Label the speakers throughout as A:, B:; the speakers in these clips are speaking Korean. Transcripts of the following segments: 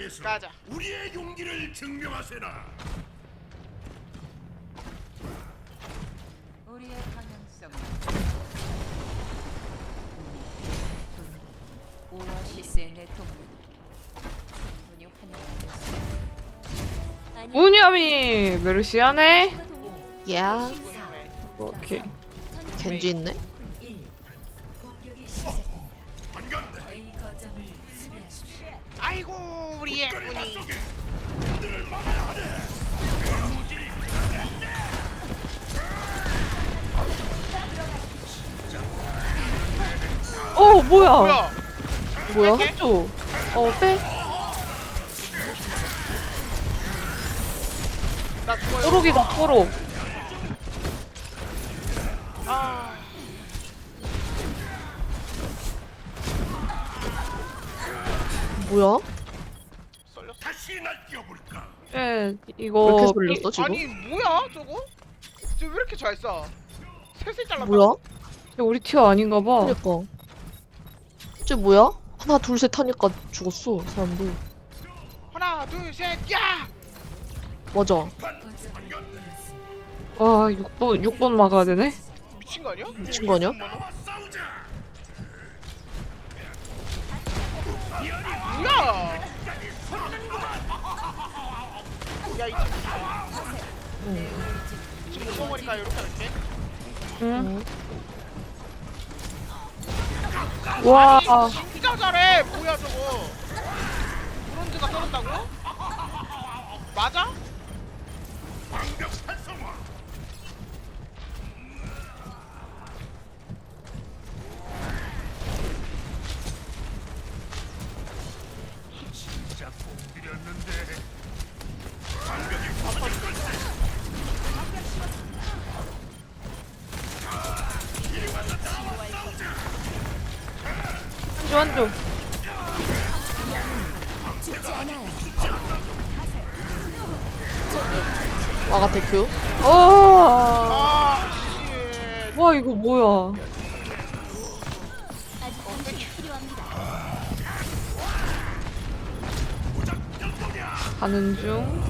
A: 앞에서
B: 가자.
A: 우리의 용기를 증명하세나.
C: 우리의 방향성은 오아시스의 내 동물 충분히 환영하였어.
D: 무념이 메르시아네.
E: 야,
D: 오케이.
E: 겐지 있네.
B: 아이고 우리 애군이.
D: 어 뭐야?
B: 뭐야?
E: 뭐야?
D: 또. 빼.
B: 나 죽어요.
D: 뽀록이다 뽀록.
B: 아,
E: 뭐야?
B: 썰렸어.
A: 다시 날뛰어볼까.
D: 예
E: 왜
D: 이거
E: 이렇게 돌렸어 지금?
B: 아니 뭐야 저거? 쟤왜 이렇게 잘 쏴? 셋을 잘랐다.
E: 뭐야?
D: 우리 티어 아닌가 봐.
E: 그니까. 쟤 뭐야? 하나 둘 셋 하니까 죽었어 사람들.
B: 하나 둘 셋 야!
E: 맞아.
D: 와 6번 막아야 되네.
B: 미친 거 아니야?
E: 미친 거 아니야?
A: 싸우자.
B: 뭐야? 야이 지금 못 먹으니까 이렇게 할게.
D: 응. 와.
B: 진짜 잘해. 뭐야 저거? 브론즈가 떨어진다고? 맞아?
A: 방벽 활성화. 진짜 공들였는데.
D: 한조.
E: 와가 대표.
B: 아 씨.
D: 와 이거 뭐야? 가는 중.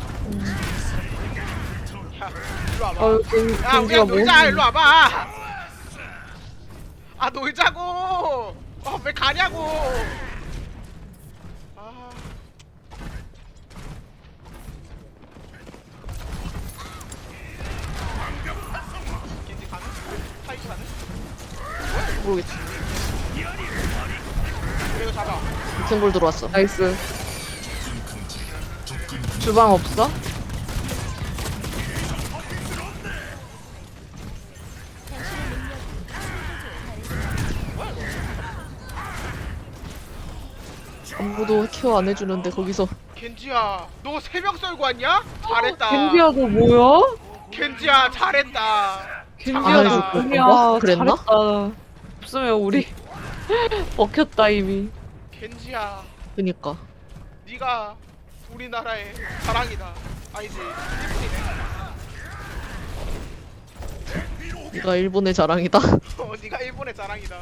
B: 야 일로 와봐.
D: 아유
B: 야
D: 겐지가
B: 우리가
D: 뭐?
B: 놀자. 일로 와봐. 아 놀자고. 왜 가냐고. 아. 겐지 가는? 타이즈 가는?
E: 모르겠지.
B: 이거 잡아.
E: 킹볼 들어왔어.
D: 나이스. 주방 없어?
E: 아무도 케어 안 해주는데 거기서
B: 겐지야, 너 세 명 썰고 왔냐? 잘했다.
D: 겐지야 너 뭐야?
B: 겐지야, 잘했다.
D: 겐지야
E: 안
D: 너
E: 해줄
D: 뭐냐?
E: 건가? 그랬나?
D: 잘했다. 없으면 우리 먹혔다 이미.
B: 겐지야,
E: 그니까.
B: 네가 우리나라의 자랑이다. 아니지, 일본이네.
E: 네가 일본의 자랑이다.
B: 네가 일본의 자랑이다.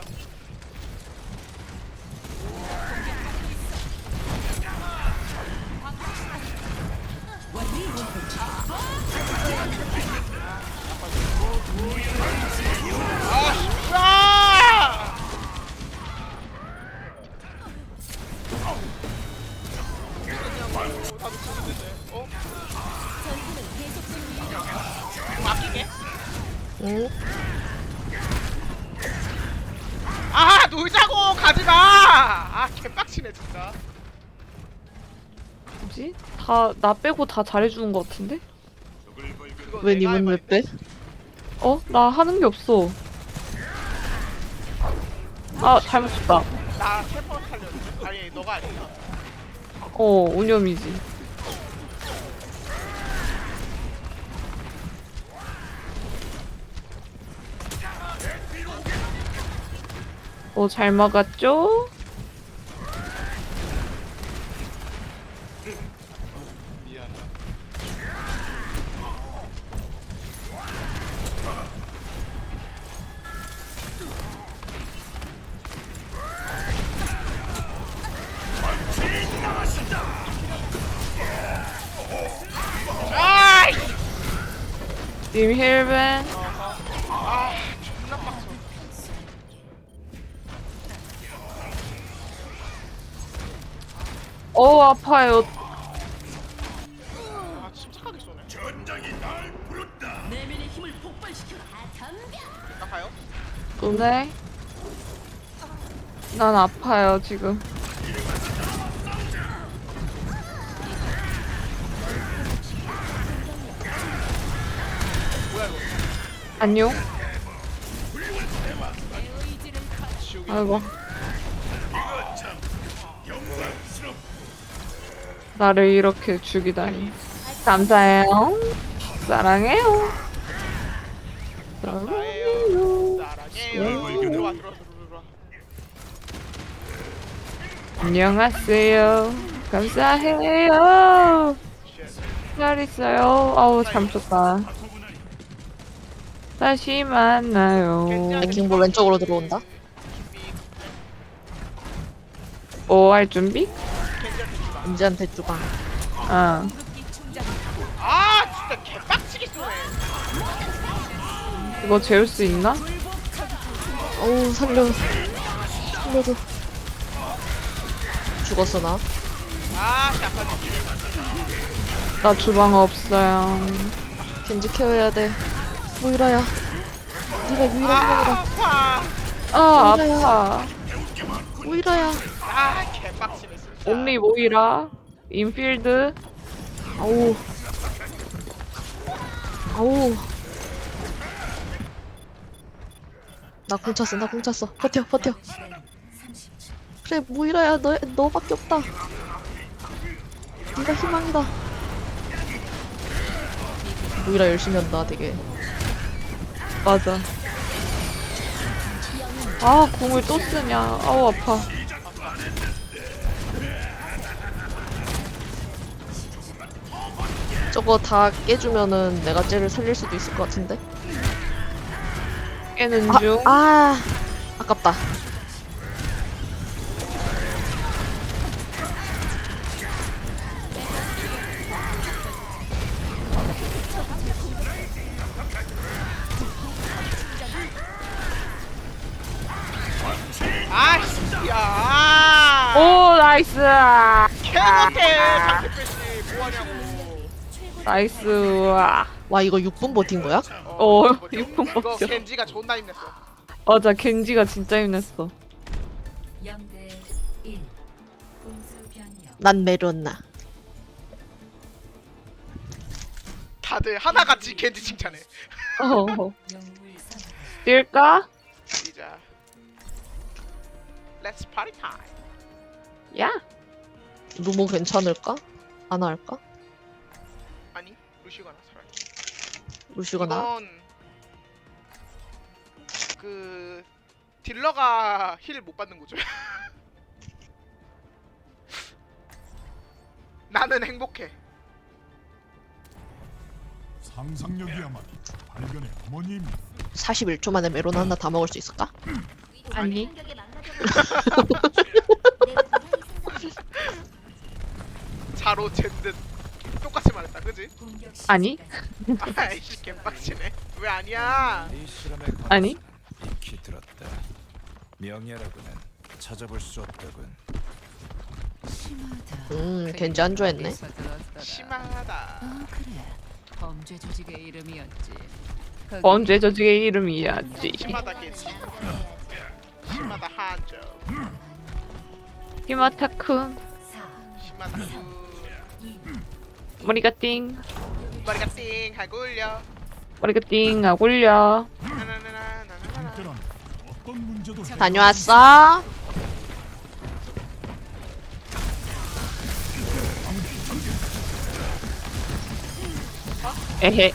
B: 아, 다들 죽는데. 어? 맡기게?
E: 응?
B: 아, 놀자고 가지 마. 아, 개빡치네 진짜.
D: 뭐지? 다 나 빼고 다 잘해주는 것 같은데?
B: 이거
E: 왜
B: 내가
E: 님은 왜
B: 해봐야겠네.
E: 빼?
D: 나 하는 게 없어. 아 잘못했다.
B: 나 텔포 살렸는데? 아니, 너가 아니야.
D: 운염이지. 잘 막았죠?
B: 미안하다.
D: 님 힐벤.
B: 아 존나 빡쳐.
D: 아파요.
B: 아 침착하게 쏘네.
A: 전장이 날 부른다.
B: 나가요?
D: 네. 난 아파요 지금.
B: 뭐야 이거?
D: 안녕. 아이고. 나를 이렇게 죽이다니. 감사해요. 사랑해요.
B: 나예요. 사랑해요. 들어와.
D: 안녕하세요. 감사해요. 잘 있어요. 아우 잠셨다. 다시 만나요.
E: 랭킹볼 왼쪽으로 들어온다.
D: 뭐 할 준비?
E: 은지한테 주방.
D: 아.
B: 아 진짜 개빡치게 쏘네.
D: 이거 재울 수 있나?
E: 어우 살려줘. 죽었어 나.
B: 아 약간
D: 나 주방 없어요.
E: 겐지 케어해야 돼. 모이라야. 네가 유일한 명이다.
B: 아파.
D: 아 아파.
E: 모이라야.
B: 아 개빡치네 진짜.
D: 옴니 모이라. 인필드.
E: 아우. 아우. 나 공 찼어. 버텨. 그래 모이라야 너밖에 없다. 네가 희망이다. 모이라 열심히 한다 되게.
D: 맞아. 아 공을 또 쓰냐. 아우 아파.
E: 저거 다 깨주면은 내가 쟤를 살릴 수도 있을 것 같은데.
D: 깨는 중.
E: 아깝다.
B: 아 씨야.
D: 오 나이스.
B: 개못해. 상대 패시 뭐하냐고.
D: 나이스. 와.
E: 와 이거 6분 버틴 거야?
D: 어,
B: 이거
D: 6분
B: 이거
D: 버텨.
B: 겐지가 존나 힘냈어.
D: 맞아 겐지가 진짜 힘냈어.
C: 0대 1. 공수 변경.
E: 난 메론나.
B: 다들 하나같이 겐지 칭찬해.
D: 어.
C: 영웅을 선택.
D: 뛸까?
B: 시작. Let's party time.
D: 야.
E: 루모 괜찮을까? 아나 할까?
B: 아니 루시거나 차라리.
E: 루시거나.
B: 이건 그 딜러가 힐 못 받는 거죠. 나는 행복해.
A: 상상력이야말로 발견의 어머니입니다.
E: 41초 만에 메론 하나 다 먹을 수 있을까?
D: 아니.
B: 자로 잰듯 똑같이 말했다, 그지?
C: 공격 시
D: 아니.
B: 아이씨 개빡치네. 왜 아니야?
F: 이 실험에
D: 아니.
F: 익히 들었다. 명예라고는 찾아볼 수 없다군.
C: 심하다.
E: 겐지 안 좋아했네.
C: 어디서 들었더라.
B: 심하다.
C: 그래. 범죄 조직의 이름이었지. 거기
D: 범죄 조직의 이름이야지.
B: 심하다 겐지. 심하다 한조.
D: 히마타쿤.
C: 4,
B: 심하다 구.
C: 2,
D: 머리가 띵.
B: 머리가 띵 하고 울려.
D: 머리가 띵 하고 올려.
B: 나나나나나나나.
A: 함께라면 어떤 문제도
E: 다녀왔어?
D: 에헤.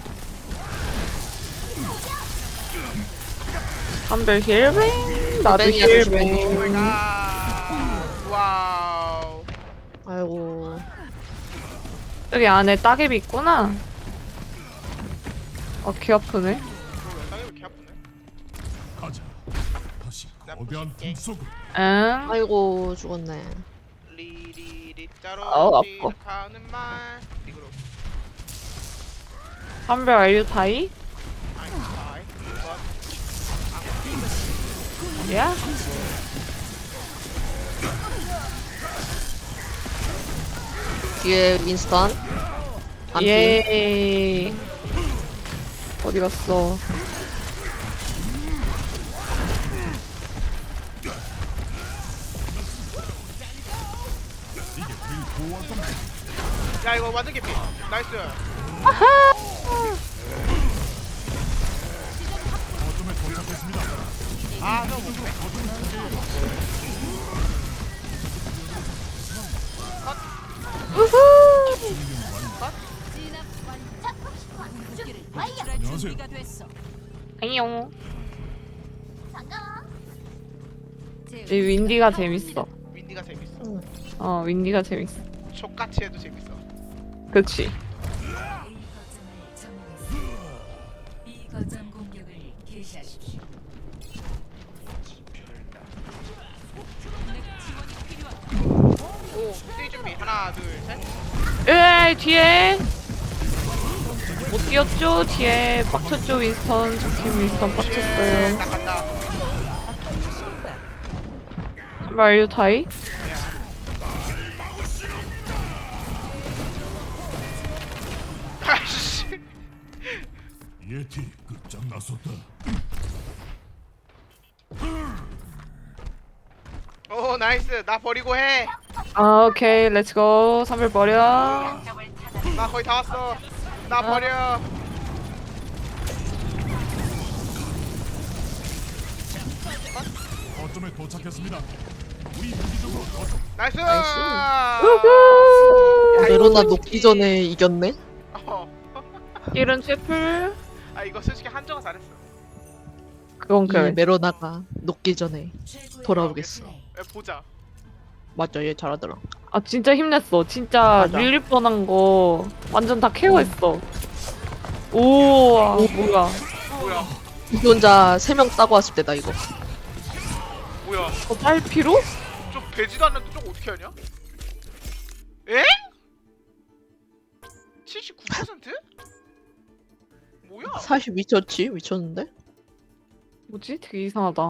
D: 한별 힐뱅. 나도
E: 힐뱅이야,
D: 힐뱅.
B: 오마이갓. 와우.
E: 아이고.
D: 여기 안에 따개비 있구나. 귀 아프네.
B: 땅이 왜 이렇게 아프네?
A: 가자. 다시
B: 나
A: 거대한
B: 부술게.
A: 틈 속으로.
D: 응.
E: 아이고 죽었네.
B: 리리리 짜로
D: 아우, 아파.
B: 시작하는 말. 이거로.
D: 한별 알유 타이? 야?
E: 뒤에 윈스턴. 안피.
D: 예. 어디 갔어?
B: 야 이거 완전 개피. 나이스.
A: 거점에 도착했습니다.
B: 아 너무
A: 안녕하세요.
D: 안녕. 이 윈디가 재밌어.
B: 윈디가 재밌어.
D: 윈디가 재밌어.
B: 족같이 해도 재밌어.
D: 그치.
C: A 거점을 점령했습니다. B 거점 공격을 개시하십시오.
B: 오, 뛰 준비. 하나, 둘, 셋.
D: 으이, 뒤에. 못 뛰었죠? 뒤에 빡쳤죠, 윈스턴. 저팀 윈스턴 빡쳤어요.
B: 나 간다.
D: 한별 알유 타이?
B: 아씨.
A: 예티 끝장났었다.
B: 오, 나이스. 나 버리고 해.
D: 아, 오케이. 렛츠고. 선별 버려.
B: 나 거의 다 왔어. 나 버려.
A: 거점에 도착했습니다. 우리 무기적으로 거점.
B: 나이스.
D: 우후!
E: 메로나 녹기 전에 이겼네.
B: 어.
D: 이런 채플.
B: 아 이거 솔직히 한정은 잘했어.
D: 그건
E: 이
D: 그래.
E: 메로나가 녹기 전에 돌아오겠어.
B: 야, 보자.
E: 맞아, 얘 잘하더라.
D: 아, 진짜 힘냈어. 진짜
E: 맞아.
D: 밀릴 뻔한 거 완전 다 케어했어. 우와, 뭐야.
B: 뭐야?
E: 이 혼자 3명 따고 왔을 때다 이거.
B: 뭐야?
D: 더딸 필요?
B: 좀 되지도 않는데 좀 어떻게 하냐? 에? 79%? 뭐야?
E: 40 미쳤지? 미쳤는데?
D: 뭐지? 되게 이상하다.